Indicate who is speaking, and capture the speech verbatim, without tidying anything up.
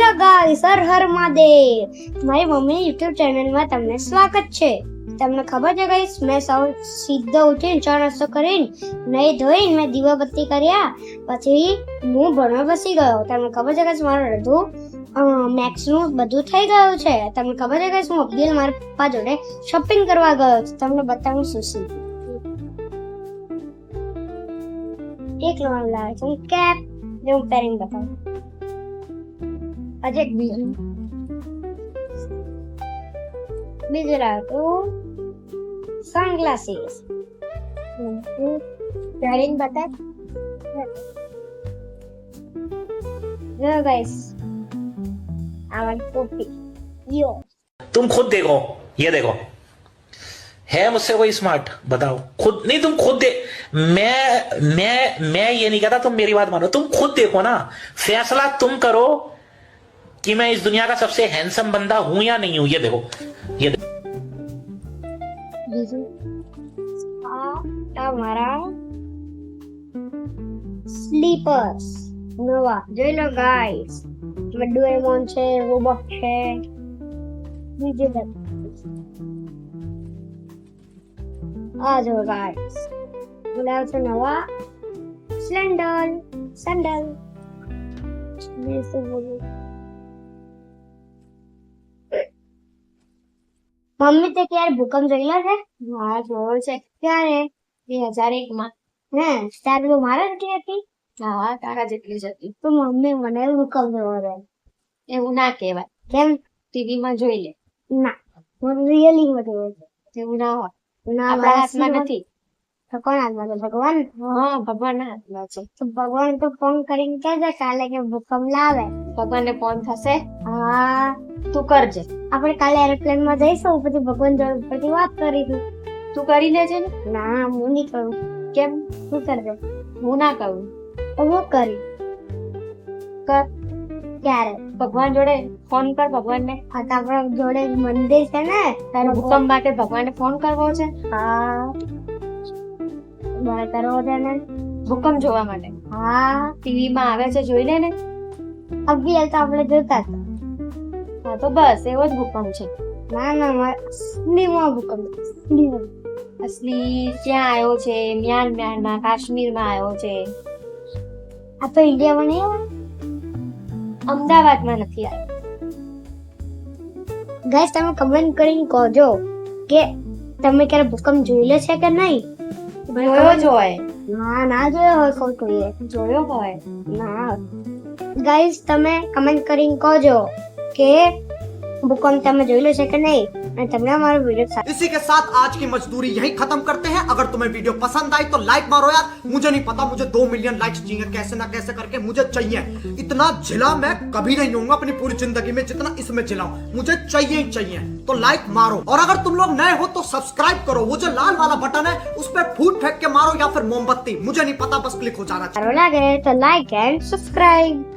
Speaker 1: Hello guys, Har Har Mahadev. મારી mummy YouTube ચેનલમાં તમને સ્વાગત છે. તમને ખબર છે ગાઈસ, મેં સૌ સીધો ઉઠીને ચા નાસ્તો કરીને નહીં ધોઈને મેં દીવાબત્તી કર્યા પછી હું ભણવા બેસી ગયો. તમને ખબર છે ગાઈસ, મારું અડધું મેક્સ નું બધું થઈ ગયું છે. તમને ખબર છે ગાઈસ, હું અબ્દુલ મારા પપ્પા જોડે શોપિંગ કરવા ગયો. તમને બતાવું શું શું એક લોન લાવે છે કેપ જે હું પહેરીને બતાવું. આજે એક બીજું બીજું લાવ્યું સનગ્લાસીસ પહેરીને બતાવ. જો ગાઈસ, આ વાળી ટોપી યો.
Speaker 2: तुम खुद देखो, ये देखो, है मुझसे कोई स्मार्ट? बताओ खुद. नहीं तुम खुद दे. मैं मैं मैं ये नहीं कहता, तुम मेरी बात मानो. तुम खुद देखो ना, फैसला तुम करो कि मैं इस दुनिया का सबसे हैंडसम बंदा हूं या नहीं हूं. ये देखो, ये देखो.
Speaker 1: બીજું આ તમારા સ્લીપર્સ નવા જોઈ લો ગાઈસ. ડોરેમોન છે, રોબોટ છે, બીજું બધું આ જો ગાઈસ. બોલાવ છે નવા સ્લેન્ડલ સેન્ડલ. મેં શું બોલું? મમ્મી તે ક્યારે ભૂકંપ જોયેલો છે?
Speaker 3: હા જોયો છે.
Speaker 1: ક્યારે?
Speaker 3: બે હજાર એક માં.
Speaker 1: હે ત્યારે તો મારા જેટલી હતી.
Speaker 3: હા તારા જેટલી જ હતી.
Speaker 1: તો મમ્મી મને ભૂકંપ જોવો છે.
Speaker 3: એવું ના કહેવાય,
Speaker 1: કેમ?
Speaker 3: ટીવી માં જોઈ લે.
Speaker 1: ના, મને રિયલી માં જોવો છે.
Speaker 3: એવું ના હોય,
Speaker 1: ના,
Speaker 3: આપણા હાથમાં નથી.
Speaker 1: તો કોણ હાથમાં છે? ભગવાન.
Speaker 3: હા ભગવાન ના હાથમાં છે.
Speaker 1: તો ભગવાન તો ફોન કરીને કહેજે કાલે કે ભૂકંપ લાવે.
Speaker 3: ભગવાન ને ફોન થશે,
Speaker 1: હા,
Speaker 3: તું કરજે.
Speaker 1: આપણે કાલે એરોપ્લેન માં જઈશું, પછી ભગવાન જોડે પછી વાત કરીશું.
Speaker 3: તું કરી લેજે ને.
Speaker 1: ના, હું નહીં કરું.
Speaker 3: કેમ?
Speaker 1: શું કરજે?
Speaker 3: હું ના કરું.
Speaker 1: તો હું કરી
Speaker 3: કર.
Speaker 1: ક્યારે?
Speaker 3: ભગવાન જોડે ફોન કર. ભગવાન ને
Speaker 1: આ તો આપણા જોડે મંદિર છે ને,
Speaker 3: તારે ભૂકંપ માટે ભગવાન ને ફોન કરવો છે.
Speaker 1: હા, બરાબર કરવો છે ને.
Speaker 3: ભૂકંપ જોવા માટે
Speaker 1: હા,
Speaker 3: ટીવી માં આવે છે, જોઈ લે ને.
Speaker 1: અભી તો આપણે જોતા હતા.
Speaker 3: હા તો બસ એવો જ ભૂકંપ છે.
Speaker 1: ના ના, અસલીમાં ભૂકંપ. અસલીમાં.
Speaker 3: અસલી ક્યાં આવ્યો છે? મ્યાનમાર માં, કાશ્મીર માં આવ્યો છે.
Speaker 1: આ તો ઇન્ડિયામાં નહીં આવે.
Speaker 3: અમદાવાદમાં નથી આવ્યો.
Speaker 1: ગાઈસ, તમે કમેન્ટ કરીને કહોજો કે તમે ક્યારે ભૂકંપ જોયેલો છે કે નહીં.
Speaker 3: જોયો જ હોય.
Speaker 1: ના ના જોયો હોય ખોટું એ.
Speaker 3: જોયો હોય.
Speaker 1: ના ગાઈસ, તમે કમેન્ટ કરીને કહોજો કે ભૂકંપ તમે જોયેલો છે કે નહીં, અને તમને અમારો વિડિયો.
Speaker 4: इसी के साथ आज की मजदूरी यही खत्म करते हैं. अगर तुम्हें वीडियो पसंद आई तो लाइक मारो यार. मुझे नहीं पता, मुझे दो मिलियन लाइक्स चाहिए, कैसे ना कैसे करके मुझे चाहिए. इतना जिला मैं कभी नहीं होऊंगा अपनी पूरी जिंदगी में जितना इसमें जिला हूं. मुझे चाहिए ही चाहिए. तो लाइक मारो, और अगर तुम लोग नए हो तो सब्सक्राइब करो. वो जो लाल वाला बटन है उस पर फूट फेंक के मारो या फिर मोमबत्ती, मुझे नहीं पता, बस क्लिक हो जाना चाहिए.
Speaker 1: સારું લાગે તો લાઈક એન્ડ સબસ્ક્રાઇબ.